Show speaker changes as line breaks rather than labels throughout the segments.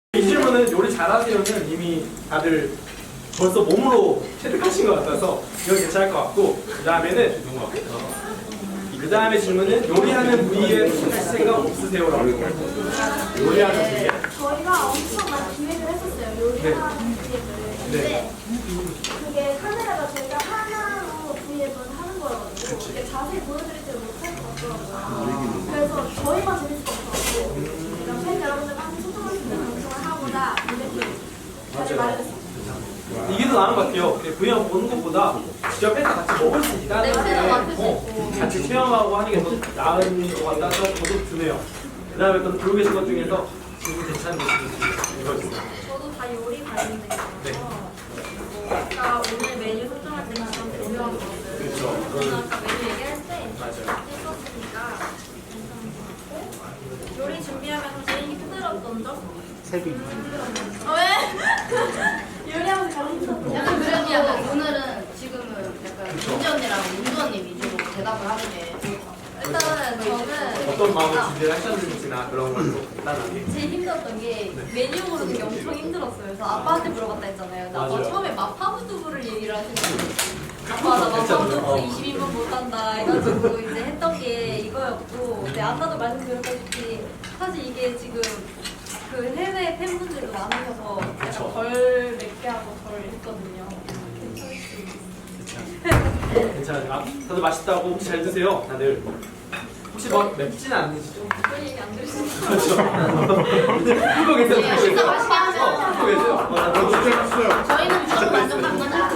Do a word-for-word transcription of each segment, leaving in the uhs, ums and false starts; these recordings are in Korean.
이 질문은 요리 잘하세요는 이미 다들 벌써 몸으로 체득하신 것 같아서 이건 괜찮을 것 같고, 그 다음에는 그 다음에 질문은 요리하는 부위에 할 생각 없으세요라고. 요리하는 부위에.
저희가 엄청 많이 기획을 했었어요. 요리하는 기획을. 근데 그게 카메라가 저희가 하나로 기획을 하는 거여가지고 이게 자세히 보여드리지를 못할 것 같더라고요. 그래서 저희만 재밌을 것 같아요. 그냥 팬 여러분들과 함께 소통할 수 있는 방송을 하고자 이렇게 잘 마련했습니다.
이게 더 나은 것 같아요. 그냥 보는 것보다 직접 해서 같이 먹을 수 있다는
냄새도 맡을 수
어,
있고.
같이 체험하고 하는 게 더 나은 것 같아서 저도 드네요. 그 다음에 또 들고 계신 것 중에서 지금 괜찮은 것 읽어주세요.
저도 다 요리 관련돼서
네.
아까 오늘 메뉴 설정할 때 가장 중요한 거는
그렇죠.
저는 아까 메뉴 얘기할 때
맞아요.
했었으니까 괜찮은 것 같고, 요리 준비하면서 제일 힘들었던 점?
세비.
어, 왜? 요리하면서 가장 힘들었던 점?
약간 그래도 약간 오늘은 지금은 약간 민지 언니랑 윤주 언니 위주로 대답을 하는 게 좋을 것 같아요.
일단은 저는
어떤 마음으로 준비를 하셨는지나 그런 걸로 간단하게.
제일 힘들었던 게 메뉴 고르는 게 엄청 힘들었어요. 그래서 아빠한테 물어봤다 했잖아요. 나 아빠
맞아요.
처음에 마파두부를 얘기를 하시는 거예요. 아빠 나 마파두부
어.
이십 인분 못한다 해가지고 이제 했던 게 이거였고, 근데 아까도 말씀드렸다시피 사실 이게 지금 그 해외 팬분들도 많으셔서 약간 덜 맵게 하고 덜 했거든요.
괜찮아요. 아, 다들 맛있다고 혹시 잘 드세요? 다들. 혹시 뭐 맵진 않으시죠?
그런 얘기 안 들으시죠?
그렇죠. 이거 계세요.
네, 진짜 맛있게 하세요.
이거 계세요. 어, 나 너무 좋겠어요.
저희는 무조건 만족합니다.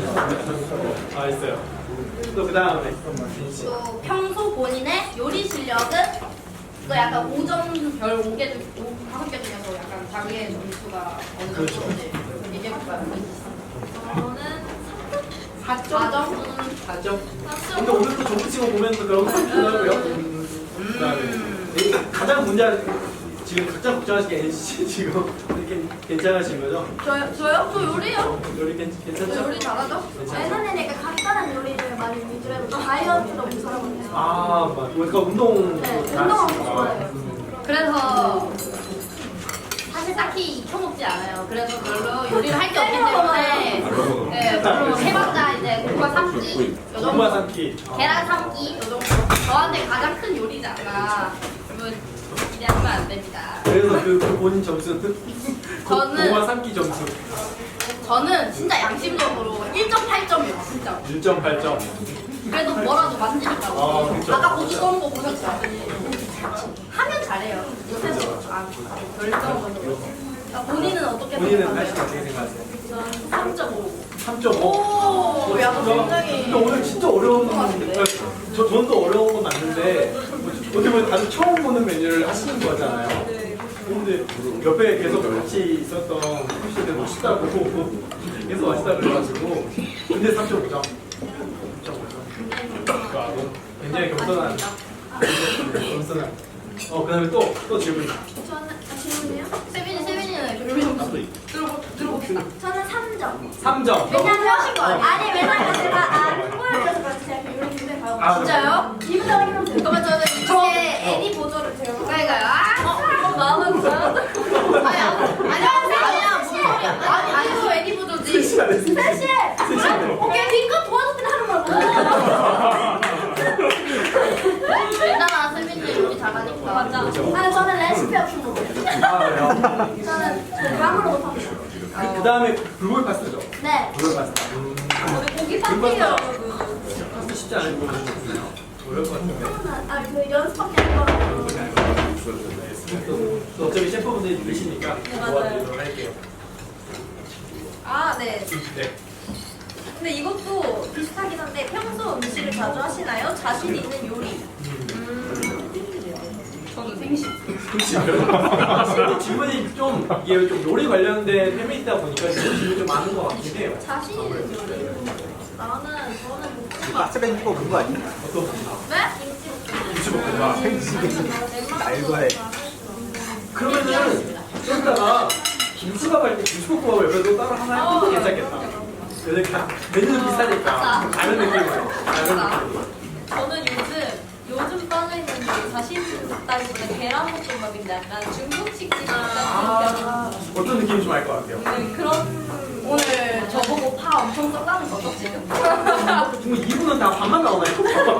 아, 있어요. 또 그 다음에.
또 평소 본인의 요리 실력은 또 약간 오 점 별 오 개 중, 다섯 개 중에서 약간 자기의 점수가 어느
그렇죠.
정도인지 얘기해볼까요?
저는
사 점?
사 점.
삼
근데
점
오늘 또 정치 친구 보면 또 그런 거 있더라고요. 음, 그 다음에. 가장 문제, 지금 각자 걱정하시는 게 엔씨 지금 이렇게 괜찮으신 거죠?
저요? 저요? 저 요리요?
요리 괜,
저
괜찮죠?
요리 잘하죠?
괜찮죠?
예전에는 약간 간단한 요리를 많이 위주로 해서 다이어트도 엄청 잘하거든요.
아, 막, 그러니까 운동.
네, 운동 엄청 좋아해요.
그래서 사실 딱히 익혀먹지 않아요. 그래서 별로 요리를 할 게 없기 때문에 네, 별로 해봤자 이제 국화 삶기 요
엄마
정도,
삼키.
계란 삶기 요 정도. 저한테 가장 큰 요리잖아. 여러분 기대하시면 안 됩니다.
그래서 그, 그 본인 점수는?
저는-
동화 삼키 점수
저는 진짜 양심적으로 일 점 팔 점이에요, 진짜.
일 점 팔 점.
그래도 뭐라도 만지니까.
아, 그쵸.
아까 고기 구운 거 보셨죠? 하면 잘해요. 못해서 아, 결정적으로. 본인은 어떻게
본인은
생각하세요?
팔십 어떻게 생각하세요?
저는 삼 점 오.
삼 점 오.
오, 약간 굉장히.
근데 오늘 진짜 어려운 건 맞는데, 저, 저는 또 어려운 건 맞는데, 어떻게 보면 다들 처음 보는 메뉴를 하시는 거잖아요. 근데 옆에 계속 같이 있었던 푸시들 맛있다고 계속 맛있다고 그래가지고, 근데 삼 점 오 점. 삼 점 오 점. 굉장히 겸손한. 겸손한. 어, 그 다음에 또, 또 질문.
저는, 아, 질문이요?
세빈이, 세빈이는 요리 좀 들어보, 들어봅시다.
저는 삼 점.
삼 점.
왜냐면,
하신 거 아니에요?
아니, 왜냐면 제가 안 보여줘서 그렇지 제가 요리 굉장히
아,
잘하고
진짜요?
기분 나기만 돼요.
그러면 저는 이렇게
애니 보조를 제가
가까이 가요. 아,
어, 마음은 좋아요.
아니, 아니야, 아니야, 무슨 소리야. 아니, 아니, 저 애니 보조지.
셋이 안 했어요.
셋이! 오케이, 뒷끝 도와줬더니 하는 거라고.
일단은 세빈이 요리 잘하니까.
맞아. 아니, 저는 레시피 없이 못해요.
아, 그래요?
저는 감으로 못합니다.
그, 그 다음에 불고기 파스타죠?
네.
불고기 파스타. 음.
저는 고기
파스타요,
파스타요.
파스타 쉽지 않을 것 같은데요? 어려울 것 같은데.
아, 그 연습밖에 안 해봐가지고.
또, 또 어차피 셰프분들이 들으시니까
맞아요.
도와드리도록 할게요.
아, 네.
네.
근데 이것도 비슷하긴 한데 평소 음식을 자주 하시나요? 자신 있는 요리?
저는 생식.
그렇지. 근데 질문이 좀, 이게 좀 요리 관련된 패밀리다 보니까 이런 질문이 좀 많은 것 같긴 해요.
자신 있는 요리? 나는 저는 볶음밥.
박스벤 이거 그거 아니야?
어떤
네?
김치볶음밥.
알고 해.
그러면은 좀 이따가 김치밥 할 때 김치볶음밥을 옆에서 따로 하나 해도 괜찮겠다. 그러니까 메뉴는 비슷하니까 다른 느낌으로. 다른 느낌으로.
저는 요즘 요즘 빠져 있는 게 자신 있다
볶음밥이라기보다 계란볶음밥인데 약간 중국식 집
아,
같은
어떤 느낌인지 알 것 같아요.
네, 그런
오늘 저보고 파 엄청 썼다는 거죠 지금?
지금 이분은 다 밥만 나오나요?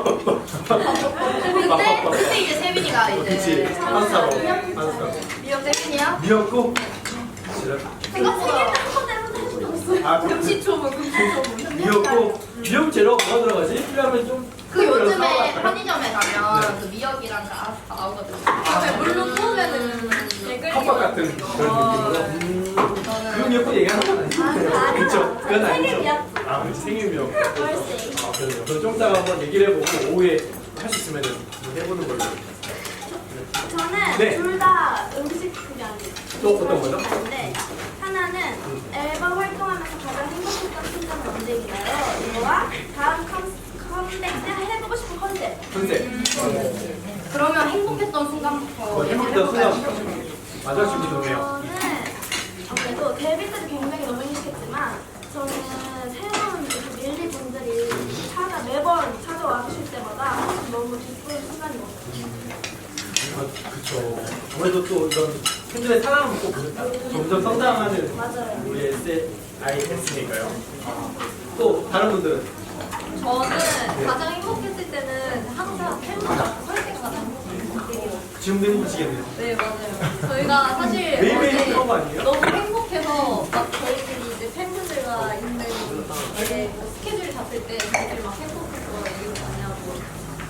그때 그때 이제 세빈이가
그치.
이제
파스타로. 파스타.
미역 세빈이야?
미역국. 싫어.
생각보다
아, 그-
금시초문 금시초문
미역국. 미역 재료가 뭐가 들어가지? 필요하면 좀.
그 요즘에
사와갈까요?
편의점에 가면
네.
그 미역이랑 다 나오거든요.
그다음에 물로 구우면은 댓글
컵밥 같은 그런 느낌으로. 음. 그 미역국 얘기하는 건 아니죠?
아, 아니요.
그쵸? 그건 아니죠.
생일 미역국.
아, 그치. 생일 미역국.
벌써.
아, 그래요. 그럼 좀 이따가 한번 얘기를 해보고 오후에 할 수 있으면 해보는 걸로.
저는
네.
둘 다 음식 그게 아니에요.
또 어떤 거죠?
다른데 하나는 앨범 활동하면서 가장 행복했던 순간은 언제인가요? 이거와 다음 컴, 컴백 때 해보고 싶은 컨셉.
컨셉.
그러면 행복했던 순간부터
어,
얘기를
행복했던
해볼까요?
순간. 맞아, 준비 좋네요.
저는 아무래도 데뷔 때도 굉장히 너무 행복했지만 저는 새로운 그 밀리 분들이 찾아 매번 찾아와 주실 때마다 항상 너무 기쁜 순간이었어요.
아, 그쵸. 아무래도 또 이런 팬들의 사랑을 꼭 점점 성장하는
맞아요.
우리 에스아이에스니까요. 또 다른 분들은?
저는 가장 행복했을 때는 항상 팬분 앞에 설 때가 가장 행복했고
지금도 행복하시겠네요.
네 맞아요. 저희가 사실
매일매일
어제
행복한 거 아니에요?
너무 행복해서 막 저희들이 이제 팬분들과 있는 이제 뭐 스케줄 잡을 때 저희들이 막 행복해서 얘기를 많이 하고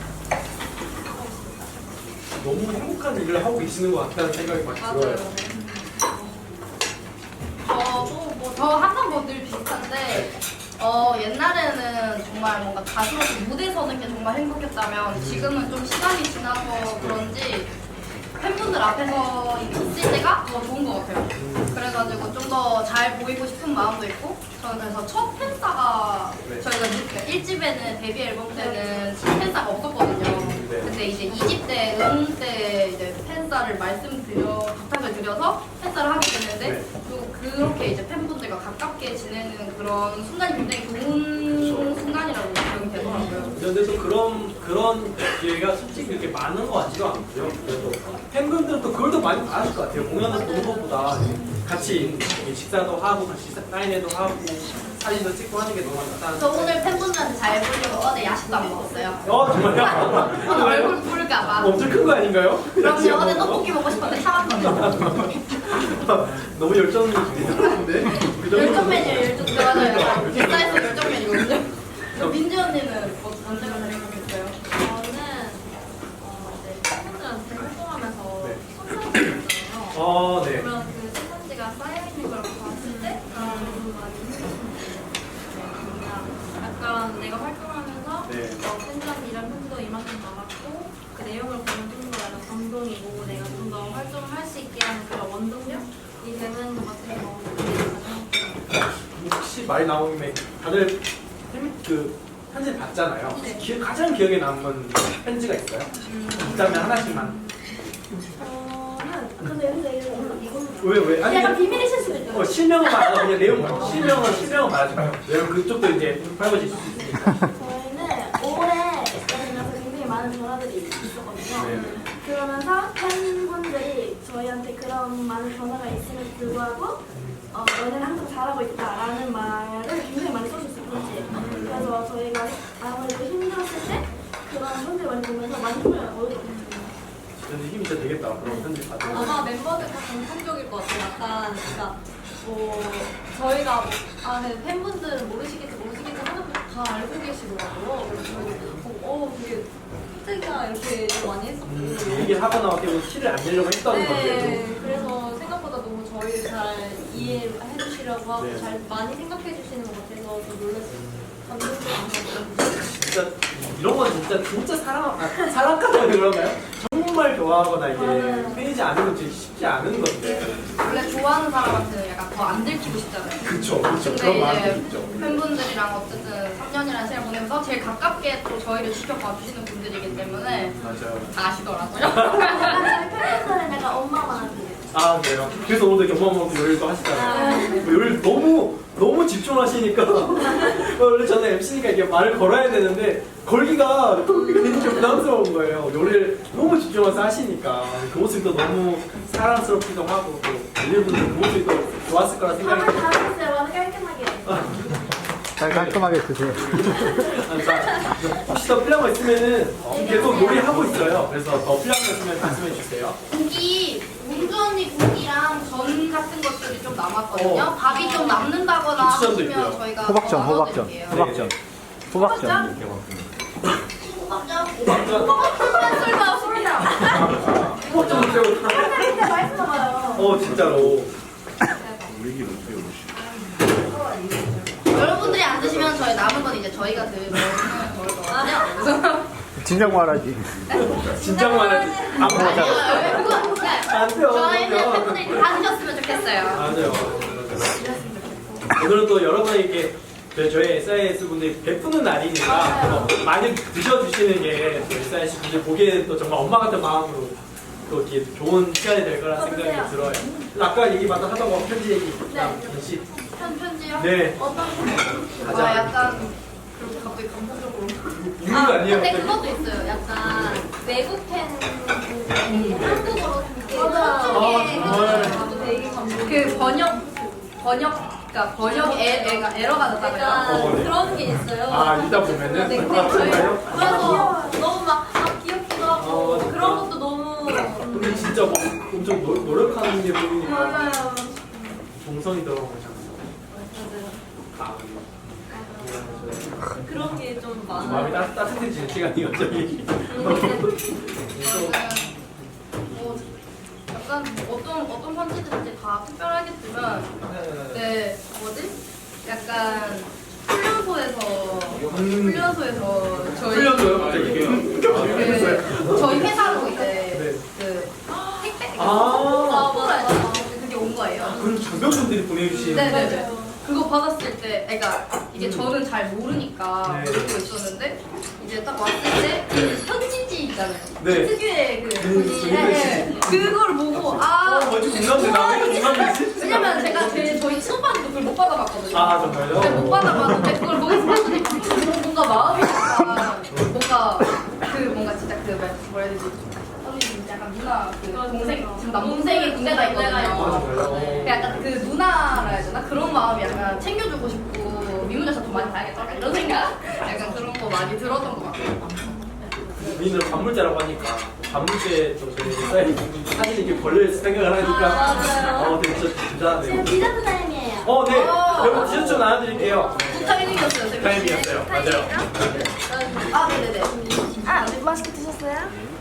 너무 행복한 일을 하고 계시는 것 같다는 생각이 많이
맞아요.
들어요.
저도 뭐저 항상 뭐 늘 비슷한데 어 옛날에는 정말 뭔가 가수로서 무대 서는 게 정말 행복했다면 지금은 좀 시간이 지나서 그런지 팬분들 앞에서 있을 때가 더 좋은 것 같아요. 그래가지고 좀 더 잘 보이고 싶은 마음도 있고 저는 그래서 첫 팬싸가
네.
저희가 일 집에는 데뷔 앨범 때는 팬싸가 없었거든요.
네.
근데 이제 이 집 때, 응 때 이제 팬싸를 말씀드려, 부탁을 드려서 팬싸를 하게 됐는데
네.
또 그렇게 이제 팬분들과 가깝게 지내는 그런 순간이 굉장히 좋은
그렇죠.
순간이라고 생각이 되더라고요.
그런데 또 그런 그런 기회가 솔직히 그렇게 많은 것 같지도 않고요. 그래도 팬분들은 또 그걸 더 많이 바라실 것 같아요. 공연을 보는 것보다 같이 식사도 하고 같이 사인회도 하고 사진도 찍고 하는 게 너무 낫다.
저 오늘 팬분들한테 잘 보려고 어제 야식도 안 먹었어요.
어 정말요?
오늘 얼굴 부을까봐.
엄청 큰 거 아닌가요?
그럼요. 어제 떡볶이 먹고 싶었는데 참았거든요.
너무 열정이 있는데
열정 메뉴 열정 들어가요. 객사에서 열정 메뉴거든요. 저 민지 언니는 뭐 언제가 제일 행복했어요?
저는 어, 이제 팬분들한테 활동하면서
네.
손편지 줬잖아요.
어 네.
그러면 그 손편지가 쌓여있는 걸 봤을 때 너무 많이 힘들었어요. 약간 내가 활동하면서
네.
어, 팬들한테 이런 편지도 이만큼 남았고 그 내용을 보면 좀 더 약간 감동이고 내가 좀 더 활동을 할 수 있게 하는 그런 원동력이 되는 것 같아서
혹시 말 나온 김에 다들 팬- 그 편지 봤잖아요.
네.
기, 가장 기억에 남은 편지가 있어요? 있다면 하나씩만.
저는 근데 여기서 이거 이거
왜 왜? 아니
약간
그냥-
비밀이실 수도 있죠.
어, 실명은 말하고 그냥 내용 말고 실명은 실명은 말하지 마요. 왜냐면 그쪽도 이제 밝아질 수 있으니까.
저희는 올해 들으면서 굉장히 많은 변화들이 있었거든요.
네.
그러면서 팬분들이 저희한테 그런 많은 변화가 있음에도 불구하고 어, 너는 항상 잘하고 있다라는 말을 굉장히 많이 써주셨어요. 편지에. 그래서 저희가 아무래도 힘들었을 때 그런 편지를 많이 보면서 많이 힘을 얻었거든요.
근데 힘이 진짜 되겠다. 그런 편지 받으면.
아마 멤버들 다 공통적일 것 같아요. 약간 그러니까 뭐 저희가 뭐, 아 근데 팬분들은 모르시겠지 모르시겠지 하는 분들 다 알고 계시더라고요. 그래서 저희도 보고 어 되게 팬들이가 이렇게 많이 했었고.
음, 얘기를 하거나 어떻게 보면 티를 안 내려고 했던 건데도.
네, 그래서 생각보다 너무 저희를 잘 이해해 주시려고 하고
네.
잘 많이 생각해 주시는 것 같아서 좀 놀랐어요. 감동적인
진짜 이런 건 진짜 진짜 사랑 아, 사랑까지 그런가요? 정말 좋아하거나 이게 팬이지 않으면 진짜 쉽지 않은 건데.
원래 좋아하는 사람한테는 약간 더 안 들키고 싶잖아요.
그쵸, 그쵸. 그런
근데
마음이
이제
있죠.
팬분들이랑 어쨌든 삼 년이라는 시간을 보내면서 제일 가깝게 또 저희를 지켜봐 주시는 분들이기 때문에
맞아요.
다 아시더라고요.
약간 저희 팬분들은 약간 엄마만 하세요.
아, 그래요? 그래서 오늘 이렇게 어마어마하게 요리도 하시잖아요. 뭐 요리 너무, 너무 집중하시니까 원래 저는 엠씨니까 이게 말을 걸어야 되는데 걸기가 걸기가 굉장히 부담스러운 거예요. 요리를 너무 집중해서 하시니까 그 모습도 너무 사랑스럽기도 하고 또 일분들 그 모습이 또 좋았을 거라 생각이
밥을 다 했어요. 완전 깔끔하게.
잘 깔끔하게 드세요.
혹시 더 필요한 거 있으면은 계속 요리하고 있어요. 그래서 더 필요한 거 있으면 말씀해 주세요.
고기, 문주 언니 고기랑 전 같은 것들이 좀 남았거든요.
어.
밥이 좀 남는다거나
고추전도
하시면
있고요.
저희가
호박전,
더
호박전,
넣어드릴게요.
호박전, 호박전.
호박전?
호박전.
호박전만 썰다 소리나.
호박전 새우.
근데 맛있어 봐요.
어 진짜로.
여러분들이 안 드시면 저희 남은 건 이제 저희가 드 먹을 거거든요. 그래서
진작 말하지.
진작 말하지. 안
아니요,
먹어.
그거 그냥
안 돼요.
저희는
안 돼요.
팬분들이 다 드셨으면 좋겠어요.
맞아요. 오늘은 또 여러분에게 그 저희 에스아이에스 분들이 베푸는 날이니까 어, 많이 드셔주시는 게 저희 에스아이에스 분들 보기에는 또 정말 엄마 같은 마음으로 또 이렇게 좋은 시간이 될 거라 생각이 들어요. 아까 얘기 마다 하던 거 편지 얘기.
네.
편지.
편 편지요?
네.
어떤 편?
가자.
아 약간 그렇게 갑자기 감동적으로.
이유가 아니에요.
근데
갑자기.
그것도 있어요. 약간
외국 팬분들이 한국어로 이렇게
맞아요.
서쪽에
아, 정말.
해주셔서 되게 감동.
그 번역 번역 그러니까 번역 애, 애가 에러가 났다고요.
약간
어, 네.
그런 게 있어요.
아 읽다 보면은.
네, 근데
아,
저희
정말요?
그래서 너무 막 아, 귀엽기도 하고
어, 진짜.
그런 것도 너무
근데 진짜 막 엄청 노, 노력하는 게 보이니까
맞아요.
정성이 들어간 거잖아요. 아,
그런 게 좀
마음이
많아요.
따, 따뜻해지는 시간이 갑자기.
뭐 약간 어떤 어떤 편지들인지 다 특별하겠지만 네 뭐지? 약간 훈련소에서 훈련소에서 저희
풀렸어요 갑자기.
그 저희 회사로 이제
네.
그 택배
아.
아 맞아 맞아 그게 온 거예요.
그럼 장병분들이 보내주신.
네네네. 그거 받았을 때, 그러니까 이게 저는 잘 모르니까
네.
모르고 있었는데 이제 딱 왔을 때 그 편지지 있잖아요.
네.
특유의 그
음,
편지.
그
네. 그걸 보고 아.
어, 뭐지 공감대 나왜 공감되지?
왜냐면 제가 제 저희 친오빠도 그걸 못 받아봤거든요.
아 정말요?
근데 못 받아봤는데 그걸 거기서 봤더니 뭔가 마음이 약간 뭔가 그 뭔가 진짜 그 뭐라 뭐라 해야 되지? 언니 약간 누나 그 동생 지금 남동생이 군대가 있거든요.
맞아요.
약간 그 누나라 해야 되나? 그런 마음이 약간 챙겨주고 싶고 미문여사 더 많이 봐야겠다 약간 이런 생각? 약간 그런 거 많이 들었던 것 같아요.
우리는 반물자라고 하니까 반물제 또 저희 사이즈 사실 이렇게 걸릴 생각을 하니까
아, 맞아요.
어 되게 진짜
지금
대단하네요.
디저트 타임이에요.
어 네.
어.
여러분 디저트 좀 나눠드릴게요.
타이밍이었어요. 되게.
타임이었어요. 맞아요.
아 네네네.
아, 맛있게 드셨어요?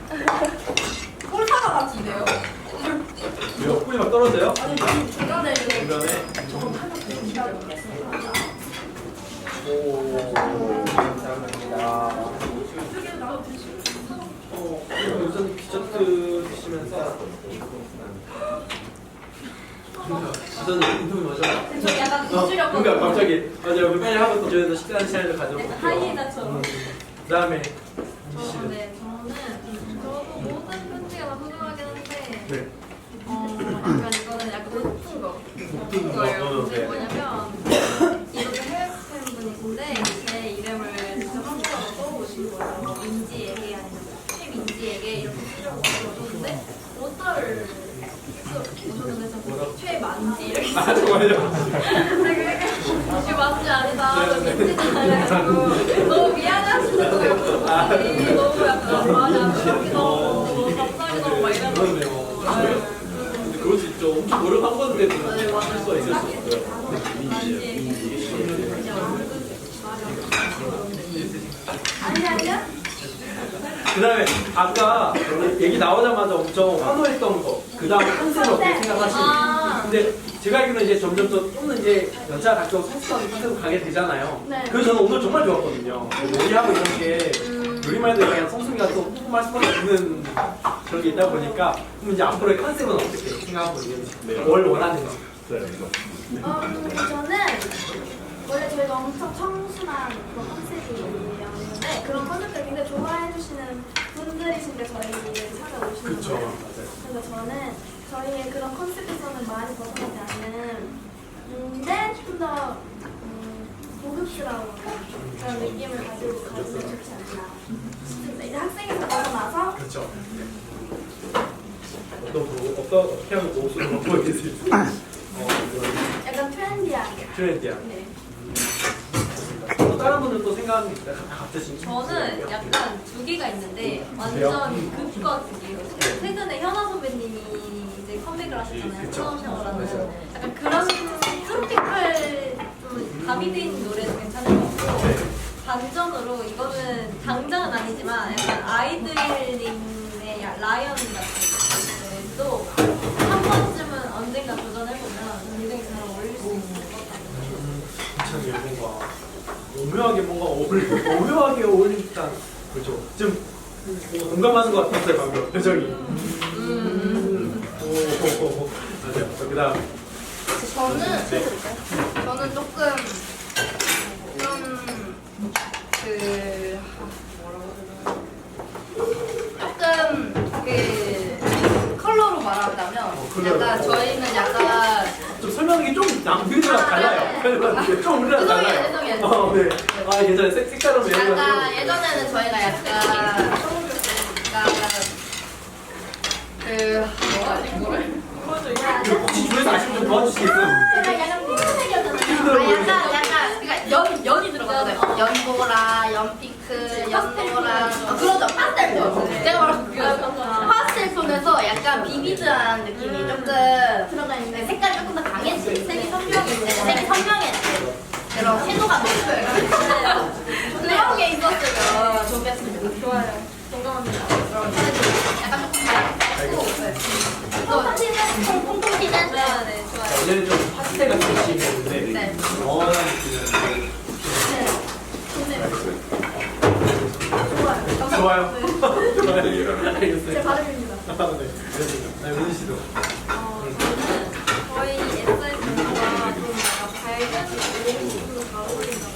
콜사가 같이 있네요.
이거 꿀이 막 떨어져요?
아니 중간에 이거
주변에. 오 감사합니다. 어 우선 디저트 드시면서. 저는 인터뷰 맞아.
저 약간
어,
잊으려고
그러니까 갑자기 맞아요. 빨리 하고 또 저희도 식사하는 시간을 가져볼게요.
하이에나처럼.
그다음에
어, 네, 저는 저도 모든 편지가 다 소중하긴 한데
네.
어, 약간 이거는 약간 높은 거.
높은
거예요.
거,
근데
네.
뭐냐면 이것도 해외 팬분이신데 제 이름을 직접 한국어로 써오신 거예요. 민지에게 아니면 최민지에게 이렇게 쓰려고 오셨는데 어떨 오셨는데 저 최만지 이렇게
아 정말요?
혹시 맞지 않다.
네, 네.
민지지 달래가지고 너무 미안하시는 거예요. 분이 너무 약간 말이 안 들리기도 하고 갑자기 너무 막 이러는
그러네요. 근데 그럴 수 있죠. 엄청 노력한 건데도 할 수가 있을 수 없어요.
아니, 아니요?
그다음에 아까 얘기 나오자마자 엄청 환호했던 거. 그다음 컨셉을 어떻게 생각하시는지.
아.
근데 제가 알기로는 이제 점점 더 조금 이제 여자 각종 성숙한 컨셉으로 가게 되잖아요.
네.
그래서 저는 오늘 정말 좋았거든요. 요리하고 이런 게 요리만 해도 그냥 성숙이가 또 뿜뿜할 수밖에 없는 그런 게 있다 보니까 그럼 이제 앞으로의 컨셉은 어떻게 생각하고 있는지, 뭘 원하는지.
음, 저는 원래 저희가 엄청 청순한 그런 컨셉이었는데 그런 컨셉들 굉장히 좋아해 주시는 분들이신데 저희를 찾아오시는
그쵸.
거예요.
맞아요.
그래서 저는 저희의 그런 컨셉에서는 많이 벗어나지 않는 근데 좀 더 음, 고급스러운 그런 느낌을 가지고 가지면 좋지 않나 싶습니다. 이제 학생에서 벗어나서
그렇죠. 어떤 부- 어떤 어떻게 하면 옷을 벗고 있겠어요? 어,
약간 트렌디하게.
트렌디한.
네.
또 다른 분들 또 생각하는 게 있나요? 갑자기
저는 약간 두 개가 있는데 완전 극과 극이에요. 최근에 현아 선배님이 이제 컴백을 하셨잖아요.
그쵸.
샤워샤워라는 약간 그런 트로피컬 좀 가미돼 있는 노래도 괜찮은 것 같고 반전으로 이거는 당장은 아니지만 약간 아이들링의 야- 라이언 같은 노래도 한 번쯤은 언젠가 도전해보면 굉장히 잘 어울릴 수 있을 것 같아요.
괜찮아요. 뭔가 오묘하게 뭔가 어울리 오묘하게 어울린다. 그렇죠. 좀 뭔가 공감하는 것 같았어요 방금 표정이. 음. 오, 오, 오, 오. 맞아요. 그다음
저는
네.
저는 조금 좀그 조금 그 컬러로 말하자면
어, 컬러로.
약간 저희는 약간
좀 설명이 좀 남들이랑
아,
달라요.
네.
좀 우리랑
죄송해요,
달라요.
죄송해요.
어, 네. 아 예전에 색 색다른 매력을
약간 예전에는 저희가 약간 약간 그 뭐라 뭐를
혹시 주변에서 아시면 좀 도와주시겠어요?
약간 약간 핑크색이었잖아요.
아 약간 약간 그러니까 연 연이 들어가잖아요. 연보라, 연핑크, 연노라 아, 그러죠. 파스텔 톤. 제가 말한 그 파스텔 톤에서 약간 비비드한 느낌이 조금
들어가 있는
네, 색깔이 조금 더 강해지. 색이 선명해지. 색이 선명해지. 그런 채도가 높아요. 그런 게 있었으면 좋겠습니다.
좋아요. 공감합니다.
그럼 약간 조금 밝고 네. 또
콩콩티는 콩콩티는
네, 네, 좋아요.
원래는 좀 파스텔 같은 느낌이었는데
네.
연한 느낌이었는데
좋아요.
좋아요. 좋아요.
제
알겠어요.
발음입니다.
아, 네. 그렇습니다. 네, 은희 씨도.
어, 저는 저희 에스아이에스가 좀 약간 밝은 옷으로 잘 어울린다고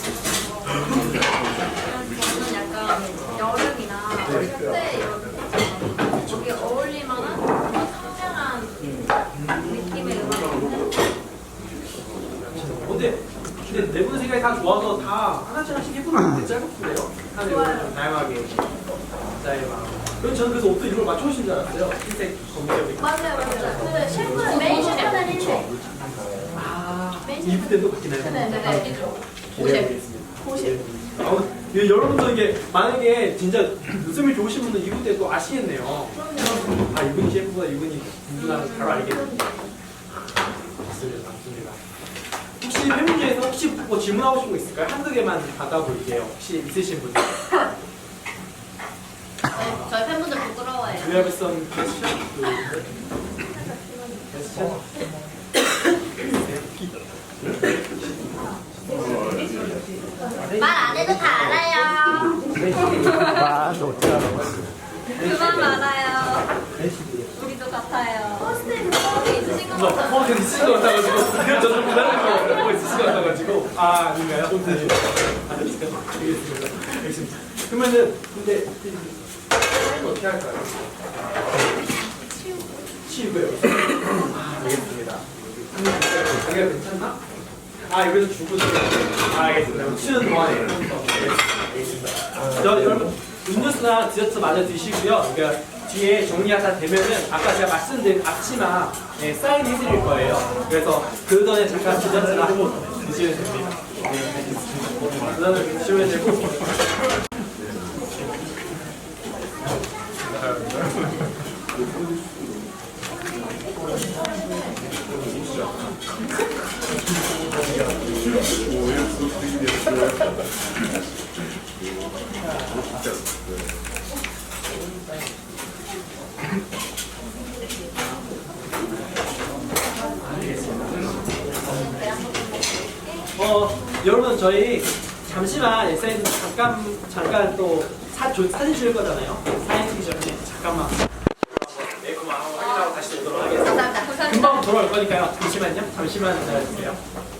생각해서 저는 약간 여름이나 어릴 때 여름 거기에 어울릴 만한 좀 청량한 느낌의 음악인데
근데 근데 네 분 생각이 다 좋아서 다 하나씩 하나씩 해보면 되게 짧고요. 하나씩 좀 다양하게 자의 마음. 그럼 저는 그래서 옷도 이걸 맞춰오신 줄 알았어요. 흰색, 검은색.
맞아요, 맞아요. 그 셰프 메인 셰프는 흰색.
아, 입을 때도 바뀌나요?
네, 네, 네.
기대해보겠습니다.
고십.
아, 예, 여러분도 이게 만약에 진짜 웃음이 좋으신 분은 이분 때또 아시겠네요.
그럼요.
아, 이분이 셰프보다 이분이 분주나면 바로 알겠네요. 맞습니다, 맞습니다. 혹시 팬분들에서 혹시 뭐 질문하고 싶은 거 있을까요? 한두 개만 받아볼게요. 혹시 있으신 분들.
네, 저희 팬분들 부끄러워해요.
Do you have some question? question?
말 안 해도 다 알아요.
아, 너 어떻게 알아?
그만 말아요. 우리도 같아요.
퍼스트
거기 있으신 것
어,
같아요.
어, 되게 있으신 것 같아가지고. 저좀 기다리는 거 있으신 것 같아가지고. 아, 아닌가요? 네. 아, 알겠습니다. 알겠습니다. 그러면은, 근데, 이거 어떻게 할까요? 치우고요. 아, 알겠습니다. 자기가 괜찮나? 아, 여기서 주고 좀. 아, 알겠습니다. 치우는 동안에. 알겠습니다. 저, 여러분, 음료수나 디저트 마저 드시고요. 그러니까 뒤에 정리하다 되면은 아까 제가 말씀드린 앞치마 네, 사인 해드릴 거예요. 그래서 그 전에 잠깐 디저트를 한번 드시면 됩니다. 네, 알겠습니다. 그다음에 드시면 되고. 어, 여러분 저희 잠시만 에스엔에스 잠깐 잠깐 또 사, 조, 사진 찍을 거잖아요. 사진 찍기 전에 잠깐만 네, 그만 확인하고 다시 오도록 하겠습니다.
감사합니다.
금방 돌아올 거니까요. 잠시만요. 잠시만 기다려주세요.